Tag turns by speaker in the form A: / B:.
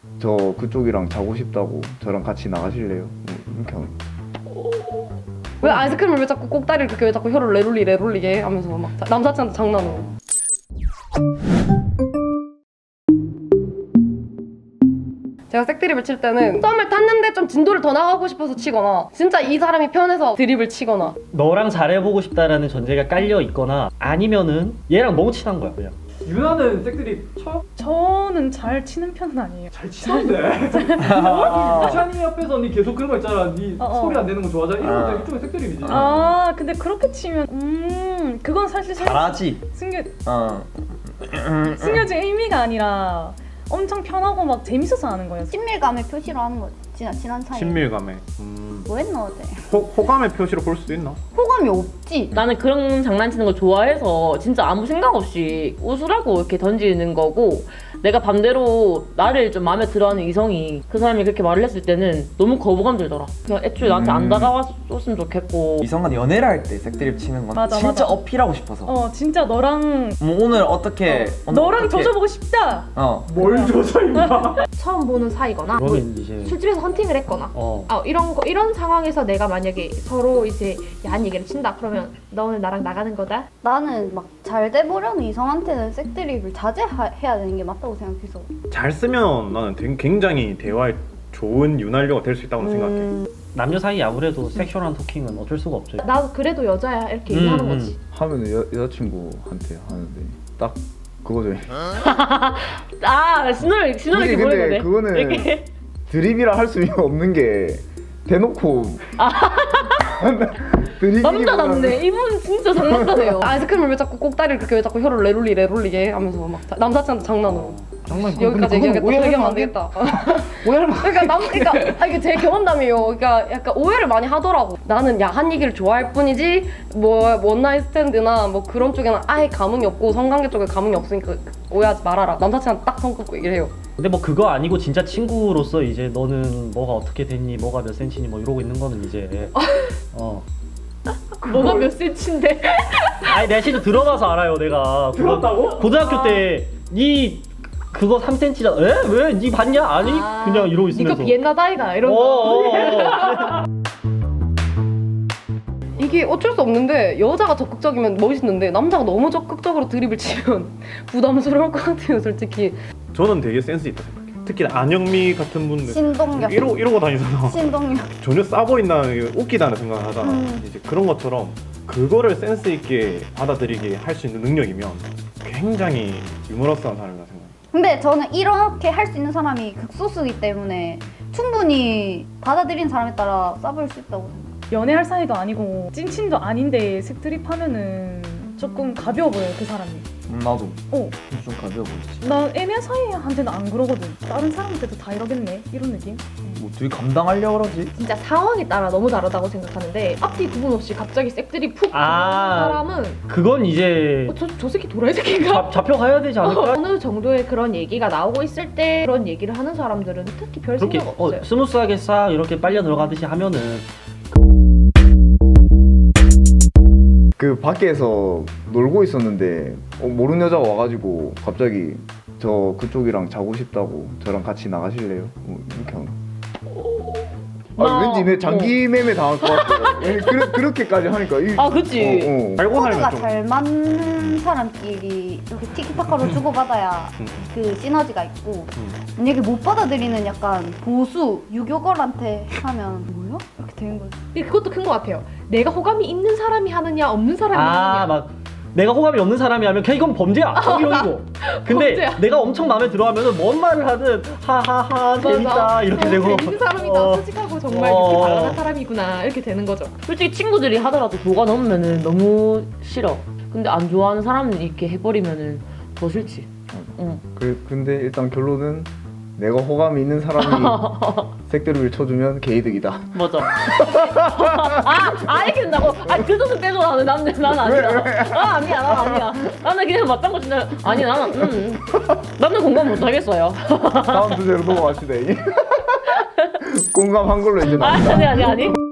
A: 저 그쪽이랑 자고 싶다고 저랑 같이 나가실래요? 뭐 이렇게 하는
B: 왜 아이스크림을 왜 자꾸 꼭다리를 그렇게 왜 자꾸 혀를 레롤리게 하면서 막 남사친한테 장난으로. 제가 색드립을 칠 때는 썸을 탔는데 좀 진도를 더 나가고 싶어서 치거나 진짜 이 사람이 편해서 드립을 치거나.
C: 너랑 잘해보고 싶다라는 전제가 깔려 있거나 아니면은 얘랑 너무 친한 거야 그냥.
D: 유나는 색드립 쳐?
E: 저는 잘 치는 편은 아니에요.
D: 잘 치던데. 샤니 앞에서 니 계속 그런 거 있잖아. 니 소리 안 내는 거 좋아하잖아. 이런 것도 일종의 색드립이지.
E: 아 근데 그렇게 치면 그건 사실
F: 잘하지.
E: 숨겨진 의미가 아니라 엄청 편하고 막 재밌어서 하는 거예요.
G: 친밀감의 표시로 하는 거지. 친한 사이.
H: 친밀감에.
G: 뭐 했노 어제?
H: 호감의 표시로 볼 수도 있나?
G: 호감이 없지.
I: 나는 그런 장난치는 걸 좋아해서 진짜 아무 생각 없이 웃으라고 이렇게 던지는 거고, 내가 반대로 나를 좀 마음에 들어하는 이성이 그 사람이 그렇게 말을 했을 때는 너무 거부감 들더라. 그냥 애초에 나한테 안 다가왔으면 좋겠고.
F: 이성간 연애를 할 때 색드립 치는 건
E: 맞아,
F: 진짜
E: 맞아.
F: 어필하고 싶어서.
E: 진짜 너랑
F: 뭐 오늘 어떻게
E: 너랑 조져보고 싶다.
D: 뭘 줘서 임마.
J: 처음 보는 사이거나 뭐
C: 그러면 이제
J: 술집에서 헌팅을 했거나 이런 상황에서 내가 만약에 서로 이제 야한 얘기를 친다 그러면 너 오늘 나랑 나가는 거다.
G: 나는 막 잘 돼보려는 이성한테는 색드립을 자제해야 되는 게 맞다고 생각해서.
H: 잘 쓰면 나는 굉장히 대화에 좋은 윤활유가 될 수 있다고 생각해.
C: 남녀 사이 아무래도 섹슈얼한 토킹은 어쩔 수가 없죠.
J: 나도 그래도 여자야 이렇게 얘기하는 거지.
A: 하면은 여자친구한테 하는데 딱 그거죠.
I: 신호를 이렇게 보는
A: 근데
I: 거네.
A: 그거는
I: 이렇게.
A: 드립이라 할 수 없는 게 대놓고
I: 남자답네. 이분 진짜 장난감이에요.
B: 아이스크림을 왜 자꾸 꼭다리를 그렇게 왜 자꾸 혀를 레롤리게 하면서 막 남사친한테 장난으로. 여기까지 얘기하겠다. 얘기하면 안 되겠다. 그러니까 이게 제 경험담이에요. 그러니까 약간 오해를 많이 하더라고. 나는 야한 얘기를 좋아할 뿐이지 뭐 원나잇 스탠드나 뭐 그런 쪽에는 아예 감흥이 없고 성관계 쪽에 감흥이 없으니까 오해하지 말아라. 남사친한테 딱 성급고 얘기를 해요.
C: 근데 뭐 그거 아니고 진짜 친구로서 이제 너는 뭐가 어떻게 됐니, 뭐가 몇 센치니 뭐 이러고 있는 거는 이제
I: 뭐가 몇 센치인데?
C: 아니 내가 진짜 들어봐서 알아요. 내가
D: 들었다고?
C: 고등학교 때 니 그거 3cm잖아. 에? 왜? 니 봤냐? 아니 그냥 이러고 있으면서
J: 니가 비엔나다이가 이런 거.
B: 이게 어쩔 수 없는데 여자가 적극적이면 멋있는데 남자가 너무 적극적으로 드립을 치면 부담스러울 것 같아요 솔직히.
H: 저는 되게 센스 있다 생각해. 특히 안영미 같은 분들
G: 신동력.
H: 이러고 다니잖아.
G: 신동력.
H: 전혀 싸 보인다, 웃기다는 생각을 하잖아. 이제 그런 것처럼 그거를 센스 있게 받아들이게 할 수 있는 능력이면 굉장히 유머러스한 사람이라 생각해.
G: 근데 저는 이렇게 할 수 있는 사람이 극소수이기 때문에 충분히 받아들이는 사람에 따라 싸보일 수 있다고 생각해요.
E: 연애할 사이도 아니고 찐친도 아닌데 색드립 하면은 조금 가벼워 보여요 그 사람이.
F: 나도
E: 어.
F: 좀 가벼워 보이지.
E: 나 애매한 사이한테는 안 그러거든. 다른 사람한테도 다 이러겠네 이런 느낌.
F: 뭐 둘이 감당하려고 그러지?
J: 진짜 상황에 따라 너무 다르다고 생각하는데 앞뒤 구분 없이 갑자기 색들이 푹 사람은
C: 그건 이제
J: 저 새끼 도라이 새끼인가?
C: 잡혀가야 되지 않을까?
J: 어느 정도의 그런 얘기가 나오고 있을 때 그런 얘기를 하는 사람들은 특히 별
C: 그렇게
J: 생각 없어요.
C: 스무스하게 싹 이렇게 빨려 들어가듯이 하면은
A: 그 밖에서 놀고 있었는데 모르는 여자가 와가지고 갑자기 저 그쪽이랑 자고 싶다고 저랑 같이 나가실래요? 뭐 이렇게 하는 왠지 내 장기 매매 당할 것 같아. 그렇게까지 하니까
I: 그치.
H: 알고
G: 코드가
H: 살면 좀
G: 잘 맞는 사람끼리 이렇게 티키타카로 주고받아야 그 시너지가 있고 만약에 못 받아들이는 약간 보수 유교걸한테 하면 뭐야? 이렇게 되는 거지.
J: 그것도 큰 것 같아요. 내가 호감이 있는 사람이 하느냐 없는 사람이 하느냐.
C: 막 내가 호감이 없는 사람이 하면 그냥 이건 범죄야. 이러고. 근데
J: 범죄야.
C: 내가 엄청 마음에 들어하면은 뭔 말을 하든 하하하 재밌다 이렇게 되고.
J: 재밌는 사람이다. 솔직하고 정말 이렇게 발랄한 사람이구나 이렇게 되는 거죠.
I: 솔직히 친구들이 하더라도 도가 넘으면은 너무 싫어. 근데 안 좋아하는 사람은 이렇게 해버리면은 더 싫지. 응.
A: 근데 일단 결론은 내가 호감이 있는 사람이 색드립을 쳐주면 개이득이다.
I: 맞아. 이렇게 된다고? 그 뜻은 빼줘. 나는 아니야. 난 아니야. 나는 그냥 맞장구 친다. 아니 나는 공감 못 하겠어요.
A: 다음 주제로 넘어갑시다. 공감한 걸로 이제
I: 아니.